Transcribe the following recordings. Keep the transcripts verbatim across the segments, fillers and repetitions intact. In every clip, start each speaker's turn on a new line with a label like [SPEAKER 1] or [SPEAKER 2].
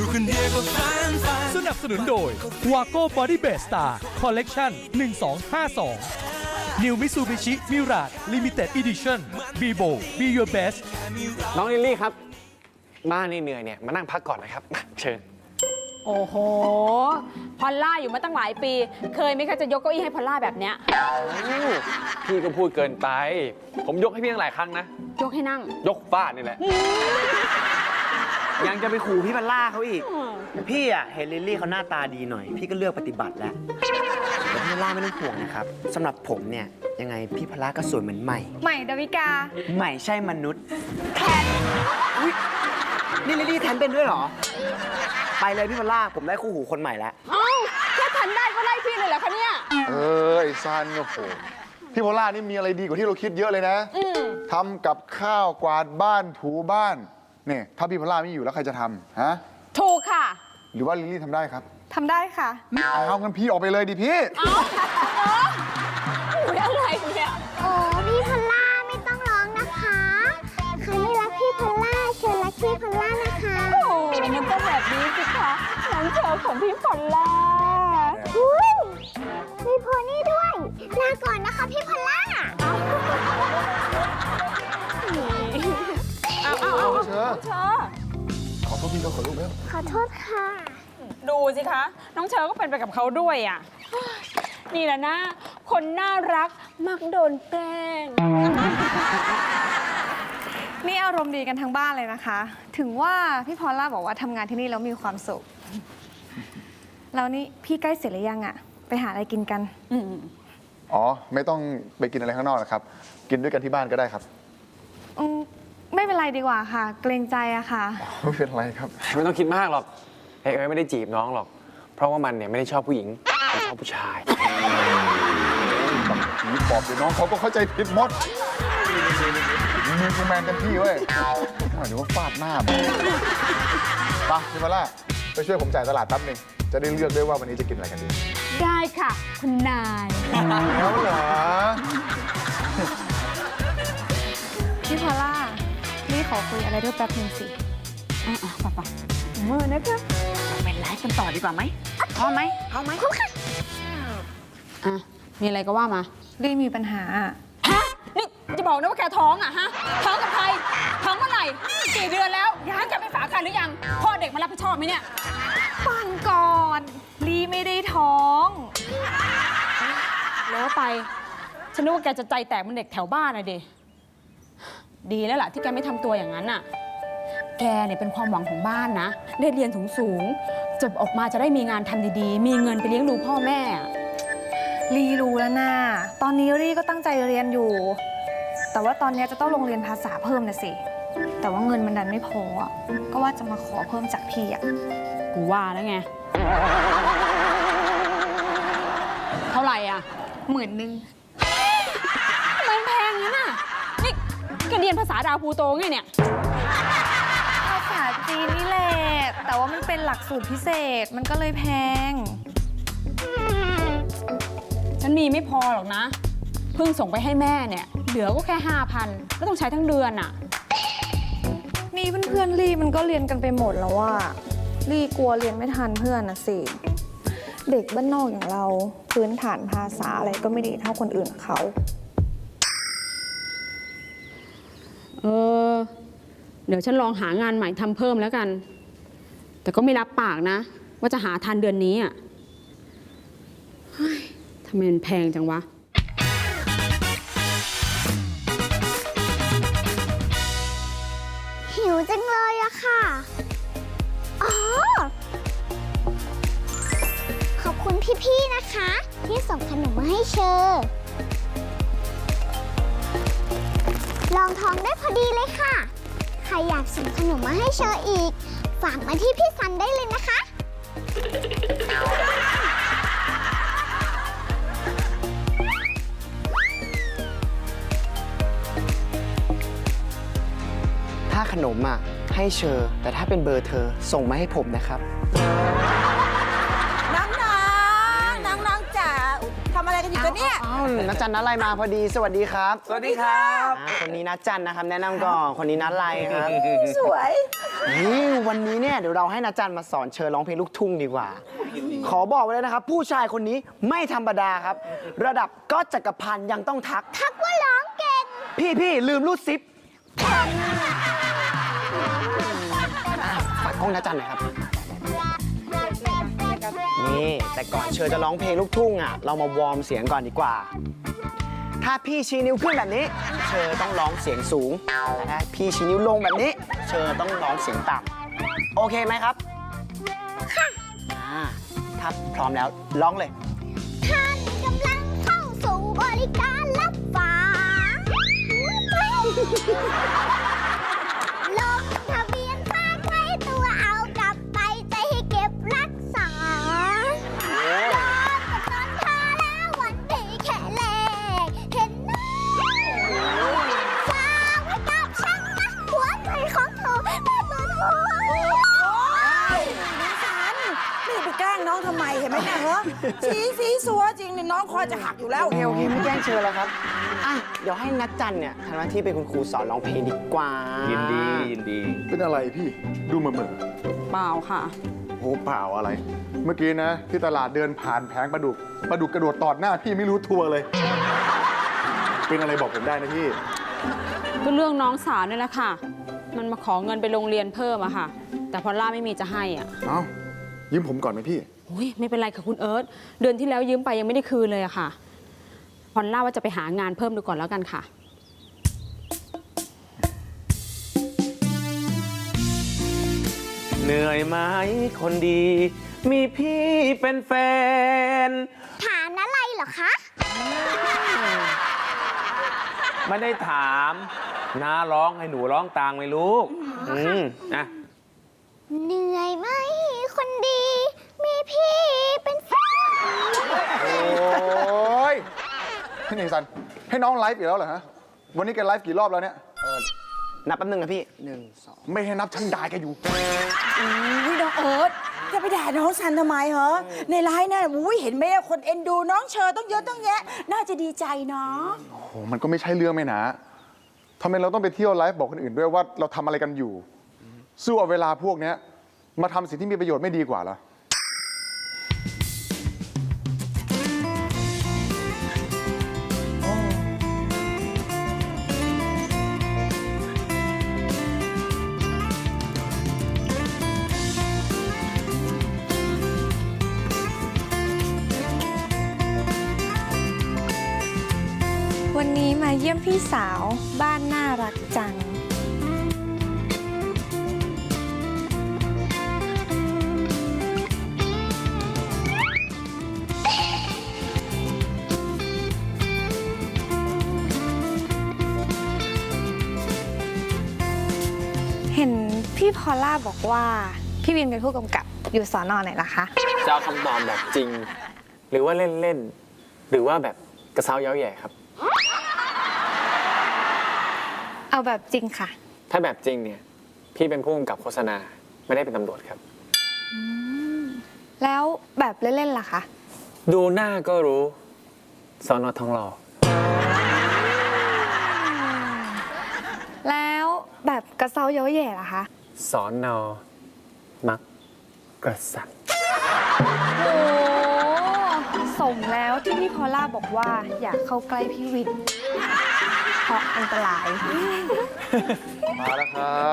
[SPEAKER 1] คนเดียวก็ฝันฝัน
[SPEAKER 2] สนับสนุนโดย Wago Body Base Star Collection หนึ่ง สอง ห้า สอง New Mitsubishi Mirage Limited Edition Bibo Be Your Best
[SPEAKER 3] น้องลิลลี่ครับบ้านนี่เหนื่อยเนี่ยมานั่งพักก่อนนะครับมาเชิญ
[SPEAKER 4] โอ้โห พอลล่าอยู่มาตั้งหลายปี เคยไหมคะจะยกเก้าอี้ให้พอลล่าแบบเนี้ย
[SPEAKER 3] พี่ก็พูดเกินไป ผมยกให้พี่ตั้งหลายครั้งนะ
[SPEAKER 4] ยกให้นั่ง
[SPEAKER 3] ยกฟาดนี่แหละ
[SPEAKER 5] ยังจะไปขู่พี่พัลล่าเขาอีก พี่อ่ะเห็นลิลลี่เขาหน้าตาดีหน่อย พี่ก็เลือกปฏิบัติแล้วแต่พี่พัลล่าไม่ต้องห่วงนะครับสำหรับผมเนี่ยยังไงพี่พัลล่าก็สวยเหมือนใหม่
[SPEAKER 6] ใหม่ดาวิกา
[SPEAKER 5] ใหม่ใช่มนุษย์แทนอุ๊ยนี่ลิลลี่แทนเป็นด้วยเหรอ ไปเลยพี่พัลล่าผมได้คู่หูคนใหม่แล้ว
[SPEAKER 4] เอ้าแค่ทันได้ก็ไล่พี่เลยเหรอคะเนี่ย
[SPEAKER 7] เออไอ้ซันโอ้โหพี่โพล่านี่มีอะไรดีกว่าที่เราคิดเยอะเลยนะ
[SPEAKER 4] อืม
[SPEAKER 7] ทำกับข้าวกวาดบ้านถูบ้านเนี่ยถ้าพี่โพล่าไม่อยู่แล้วใครจะทำฮะ
[SPEAKER 4] ถูกค่ะ
[SPEAKER 7] หรือว่าลิลลี่ทำได้ครับ
[SPEAKER 6] ทำได้ค่ะ
[SPEAKER 7] เอางั้นพี่ออกไปเลยดิพี่
[SPEAKER 4] เอ้าเอออุ๊ยอะไรเนี่ย
[SPEAKER 8] โอ้พี่พอลล่าไม่ต้องร้องนะคะใครไม่รักพี่พอลล่าเชิญรักพี่พอลล่านะคะ
[SPEAKER 4] โอ้มันก็แบบนี้สิคะน้องเชอของพี่พอลล่า
[SPEAKER 8] อุ้ยมีโพนี่ด้วยลาก่อนนะคะพี่พอลล่า
[SPEAKER 4] เอาเอาเอาเอา
[SPEAKER 7] เชอ
[SPEAKER 4] เชอ
[SPEAKER 7] ขอโทษพี่เขาขอลูกแล้ว
[SPEAKER 8] ขอโทษค่ะ
[SPEAKER 4] ดูสิคะ น้องเชอก็เป็นไปกับเขาด้วยอ่ะ นี่แหละนะ คนน่ารักมักโดนแกล้ง
[SPEAKER 6] นี่อารมณ์ดีกันทั้งบ้านเลยนะคะ ถึงว่าพี่พอลล่าบอกว่าทำงานที่นี่แล้วมีความสุข แล้วนี่พี่ใกล้เสร็จหรือยังอะไปหาอะไรกินกัน
[SPEAKER 4] อืม
[SPEAKER 7] อ๋อไม่ต้องไปกินอะไรข้างนอกนะครับ กินด้วยกันที่บ้านก็ได้ครับ
[SPEAKER 6] อืมไม่เป็นไรดีกว่าค่ะ เกรงใจอะค่ะ
[SPEAKER 7] ไม่เป็นไรครับ
[SPEAKER 3] ไม่ต้องคิดมากหรอกเอ้ยไม่ได้จีบน้องหรอก เพราะว่ามันเนี่ยไม่ได้ชอบผู้หญิงมันชอบผู้ชาย
[SPEAKER 7] ผีปอบเดี๋ยวน้องเขาก็เข้าใจผิดหมดมีกูแมนกันพี่เว้ยหมายถึงว่าฟาดหน้าไปพี่โพล่าไปช่วยผมจ่ายตลาดแป๊บหนึงจะได้เลือกด้วยว่าวันนี้จะกินอะไรกันดี
[SPEAKER 4] ได้ค่ะ คุณนาย
[SPEAKER 7] แล้วเหรอ
[SPEAKER 6] พี่พอลล่า นี่ขอคุยอะไรด้วยแป๊บนึงสิ
[SPEAKER 4] อ่ะๆป่ะๆมือนะคะไปไลฟ์กันต่อดีกว่าไหมพร้อมไหมพร้อมไหมพร้อมค่ะอ่ะมีอะไรก็ว่ามา
[SPEAKER 6] รีมีปัญหาอะ
[SPEAKER 4] ฮะ นี่จะบอกนะว่าแกท้องอ่ะฮะ ท้องกับใคร ท้องเมื่อไหร่ กี่เดือนแล้วยังแกเป็นฝาคันหรือยัง พ่อเด็กมารับผิดชอบไหมเนี่ย
[SPEAKER 6] ฟังก่อนรีไม่ได้ท้อง
[SPEAKER 4] แล้วไป ฉันนึกว่าแกจะใจแตกเหมันเด็กแถวบ้านอะดิ ดีแล้วล่ะที่แกไม่ทำตัวอย่างนั้นน่ะ แกเนี่ยเป็นความหวังของบ้านนะ ได้เรียนสูงๆจบออกมาจะได้มีงานทำดีๆ มีเงินไปเลี้ยงดูพ่อแม่อะ
[SPEAKER 6] รีรู้แล้วนะตอนนี้รีก็ตั้งใจเรียนอยู่ แต่ว่าตอนนี้จะต้องลงเรียนภาษาเพิ่มนะสิ แต่ว่าเงินมันดันไม่พออะก็ว่าจะมาขอเพิ่มจากพี่อะ
[SPEAKER 4] กูว่าแล้วไง เท่าไหร่อ่ะ
[SPEAKER 6] หมื่นหนึ่ง
[SPEAKER 4] ทำไมมันแพงงั้นน่ะ นี่แกเรียนภาษาดาวพูโตไงเนี่ย
[SPEAKER 6] ภาษาจีนนี่แหละ แต่ว่ามันเป็นหลักสูตรพิเศษ มันก็เลยแพง
[SPEAKER 4] ฉันมีไม่พอหรอกนะ เพิ่งส่งไปให้แม่เนี่ย เหลือก็แค่ห้าพันแล้วต้องใช้ทั้งเดือนอ่ะ
[SPEAKER 6] นี่เพื่อนๆรีมันก็เรียนกันไปหมดแล้วว่ารีกลัวเรียนไม่ทันเพื่อนนะสิ เด็กบ้านนอกอย่างเราพื้นฐานภาษาอะไรก็ไม่ดีเท่าคนอื่นเขา
[SPEAKER 4] เออ เดี๋ยวฉันลองหางานใหม่ทำเพิ่มแล้วกัน แต่ก็ไม่รับปากนะ ว่าจะหาทันเดือนนี้อ่ะเฮ้ยทำไมมันแพงจังวะ
[SPEAKER 8] หิวจังเลยอะค่ะ อ๋อ ขอบคุณพี่ๆนะคะ ที่ส่งขนมมาให้เชอร์ลองท้องได้พอดีเลยค่ะ ใครอยากส่งขนมมาให้เชอร์อีก ฝากมาที่พี่ซันได้เลยนะคะ
[SPEAKER 5] ถ้าขนมอ่ะให้เชอร์แต่ถ้าเป็นเบอร์เธอส่งมาให้ผมนะครับ
[SPEAKER 9] นางนางนางนางจ๋าทำอะไรกันอยู่กัน
[SPEAKER 1] เนี่ย
[SPEAKER 5] อ้าวนัดจันนัดอะไรมาพอดีสวัสดีครับ
[SPEAKER 3] สวัสดีครับ
[SPEAKER 5] อ่าคนนี้นัดจันนะครับ แนะนำก่อนคนนี้นัดอะไรครับ
[SPEAKER 1] สวย
[SPEAKER 5] นี่วันนี้เนี่ยเดี๋ยวเราให้นัดจันมาสอนเชิญร้องเพลงลูกทุ่งดีกว่า ขอบอกไว้เลยนะครับ ผู้ชายคนนี้ไม่ธรรมดาครับ ระดับก็จักรพันธ์ยังต้องทัก
[SPEAKER 8] ทักว่าร้องเก่ง
[SPEAKER 5] พี่พี่ลืมรูดซิปฝากกล้องนัดจันหน่อยครับ นี่แต่ก่อนเชิญจะร้องเพลงลูกทุ่งอ่ะเรามาวอร์มเสียงก่อนดีกว่า ถ้าพี่ชี้นิ้วขึ้นแบบนี้ เชอต้องร้องเสียงสูงแต่ถ้าพี่ชี้นิ้วลงแบบนี้ เชอต้องร้องเสียงต่ำโอเคไหมครับ ค่ะถ้าพร้อมแล้วร้องเลย
[SPEAKER 8] ท่านกำลังเข้าสู่บริการรับฝากลงทะเบียนฝากไว้ตัวเอากลับไปใจให้เก็บรักษายอดกำลังทาแล้ววันที่แค่แรกเห็นหน้าฝากไว้กับฉันนะหัวใจของเธอแม่ตัวเธอ
[SPEAKER 1] นี่ไปแกล้งน้องทำไมเห็นไหมเนี่ยเหรอชี้สีสัวจริงนี่น้องคอจะหักอยู่แล้ว
[SPEAKER 5] โอเคโอเคไม่แกล้งเชิญแล้วครับอ่ะเดี๋ยวให้นัดจันเนี่ยทำหน้าที่เป็นคุณครูสอนร้องเพลงดีกว่า
[SPEAKER 3] ยิ
[SPEAKER 5] ยิ
[SPEAKER 3] นดียินดี
[SPEAKER 7] เป็นอะไรพี่ ดูเหม่อเม่อ
[SPEAKER 4] เปล่าค่ะ
[SPEAKER 7] โอ้เปล่าอะไร เมื่อกี้นะ ที่ตลาดเดินผ่านแผงปลาดุกปลาดุกกระโดดตอดหน้าพี่ไม่รู้ตัวเลย เป็นอะไรบอกผมได้นะพี่
[SPEAKER 4] ก็เรื่องน้องสาวนี่แหละค่ะ มันมาขอเงินไปโรงเรียนเพิ่มอะค่ะ แต่พอลล่าไม่มีจะให้อะ
[SPEAKER 7] เอ้ายืมผมก่อนไหมพี่
[SPEAKER 4] อุ้ยไม่เป็นไรค่ะคุณเอิร์ธเดือนที่แล้วยืมไปยังไม่ได้คืนเลยอะค่ะพอลล่าว่าจะไปหางานเพิ่มดูก่อนแล้วกันค่ะ
[SPEAKER 3] เหนื่อยไหมคนดี มีพี่เป็นแฟน
[SPEAKER 8] ฐานอะไรเหรอคะ
[SPEAKER 3] ไม่ได้ถามน้าร้องให้หนูร้องตามเลยลูก อืมนะ
[SPEAKER 8] เหนื่อยไหมคนดี มีพี่เป็นแฟน
[SPEAKER 7] โอ้ยพี่เนสัน ให้น้องไลฟ์อีกแล้วเหรอฮะ วันนี้แกไลฟ์กี่รอบแล้วเนี่ย
[SPEAKER 5] นับแป๊บนึงนะพี่หนึ่งสอง
[SPEAKER 7] ไม่ให้นับช่างดายแกอยู่
[SPEAKER 1] อุ้ยน้องเอิร์ธจะไปด่าน้องซันทำไมเหรอในไลน์น่ะอุ้ยเห็นไหมคนเอ็นดูน้องเชอต้องเยอะต้องแยะ น่าจะดีใจเนาะ
[SPEAKER 7] โอ้โหมันก็ไม่ใช่เรื่องไหมนะทำไมเราต้องไปเที่ยวไลฟ์บอกคนอื่นด้วยว่าเราทำอะไรกันอยู่ สู้เอาเวลาพวกเนี้ยมาทำสิ่งที่มีประโยชน์ไม่ดีกว่าเหรอ
[SPEAKER 6] วันนี้มาเยี่ยมพี่สาวบ้านน่ารักจัง เห็นพี่พอลล่าบอกว่า พี่วินเป็นผู้กำกับอยู่สอนอไหนล่ะคะ
[SPEAKER 3] จะเอาคำตอบแบบจริง หรือว่าเล่นเล่นๆหรือว่าแบบกระเซ้าเย้าแหย่ครับ
[SPEAKER 6] เอาแบบจริงค่ะ
[SPEAKER 3] ถ้าแบบจริงเนี่ย พี่เป็นผู้กำกับโฆษณาไม่ได้เป็นตำรวจครับ
[SPEAKER 6] แล้วแบบเล่นๆล่ะคะ
[SPEAKER 3] ดูหน้าก็รู้สอนอทองหล่อ
[SPEAKER 6] แล้วแบบกระเซาเย้าแย่ล่ะคะ
[SPEAKER 3] สอนอมักกระสัน
[SPEAKER 6] โอ้สมแล้วที่พี่พอลล่าบอกว่าอยากเข้าใกล้พี่วิน เพราะอันตราย
[SPEAKER 7] มาแล้วครับ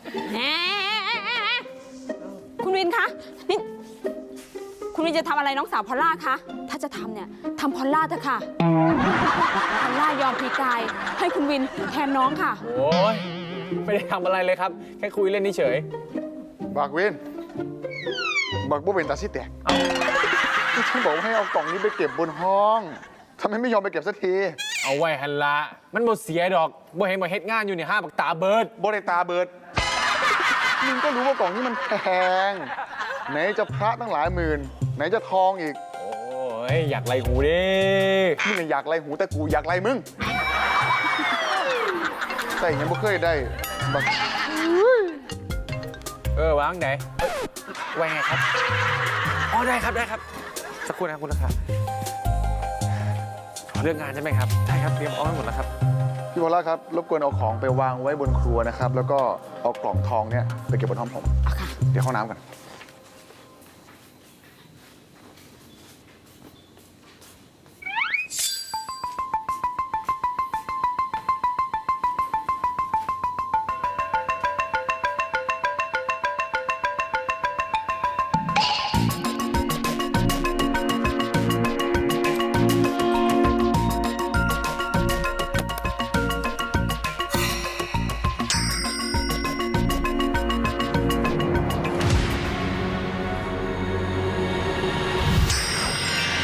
[SPEAKER 4] คุณวินคะนี่คุณวินจะทำอะไรน้องสาวพอลล่าคะถ้าจะทำเนี่ยทำพอลล่าเถอะค่ะพอลล่ายอมพลีกายให้คุณวินแทนน้องค่ะ
[SPEAKER 3] โอ้ยไม่ได้ทำอะไรเลยครับ แค่คุยเล่นเฉย
[SPEAKER 7] บักเวนบักบุเป็นตาซิแตกที่ฉันบอกว่าให้เอากล่องนี้ไปเก็บบนห้องทำไมไม่ยอมไปเก็บสักที
[SPEAKER 3] ๆ เอาไว้หันละมันบ่เสียดอกบ่เห็นบ่เฮ็ดงานอยู่เนี่ยห้าปักตาเบิด
[SPEAKER 7] บริตาเบิร์ดมึงก็รู้ว่ากล่องนี้มันแพง ไหนจะพระตั้งหลายหมื่น ไหนจะทองอีก
[SPEAKER 3] โอ้ยอยากไล่หูดิ
[SPEAKER 7] มึงอยากไล่หูแต่กูอยากไล่มึง ใส่ยังบ่เคยได้บัก
[SPEAKER 3] เออวางไหนเอ้ยไว้ไงครับอ๋อได้ครับได้ครับสักครู่นะครับคุณราคาเรื่องงานใช่ไหมครับใช่ครับเตรียมเอาไว้หมดแล้วครับ
[SPEAKER 7] พี่พอลล่าครับ รบกวนเอาของไปวางไว้บนครัวนะครับ แล้วก็เอากล่องทองเนี่ยไปเก็บบนห้องผม เดี๋ยวเข้าน้ำกัน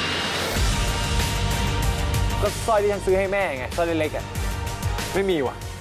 [SPEAKER 3] ก็สร้อยที่ฉันซื้อให้แม่ไงสร้อยเล็กๆอ่ะไม่มีว่ะ